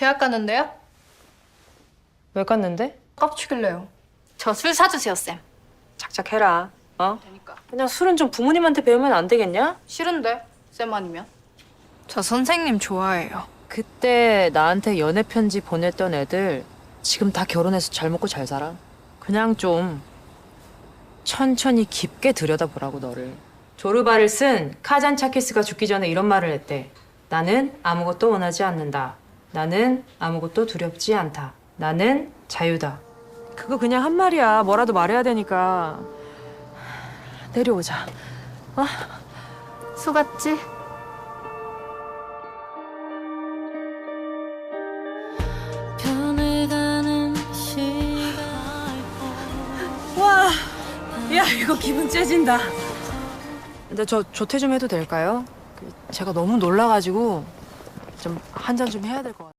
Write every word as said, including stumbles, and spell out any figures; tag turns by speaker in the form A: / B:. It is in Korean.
A: 제약 갔는데요?
B: 왜 갔는데?
A: 깝치길래요. 저 술 사주세요, 쌤.
B: 작작해라. 어?
A: 되니까.
B: 그냥 술은 좀 부모님한테 배우면 안 되겠냐?
A: 싫은데, 쌤 아니면? 저 선생님 좋아해요.
B: 그때 나한테 연애 편지 보냈던 애들 지금 다 결혼해서 잘 먹고 잘 살아. 그냥 좀 천천히 깊게 들여다보라고 너를. 조르바를 쓴 카잔 차키스가 죽기 전에 이런 말을 했대. 나는 아무것도 원하지 않는다. 나는 아무것도 두렵지 않다. 나는 자유다. 그거 그냥 한 말이야. 뭐라도 말해야 되니까. 내려오자. 어?
A: 수갔지?
B: 와, 야 이거 기분 째진다. 근데 저 조퇴 좀 해도 될까요? 그 제가 너무 놀라가지고 좀 한 잔 좀 해야 될 것 같아요.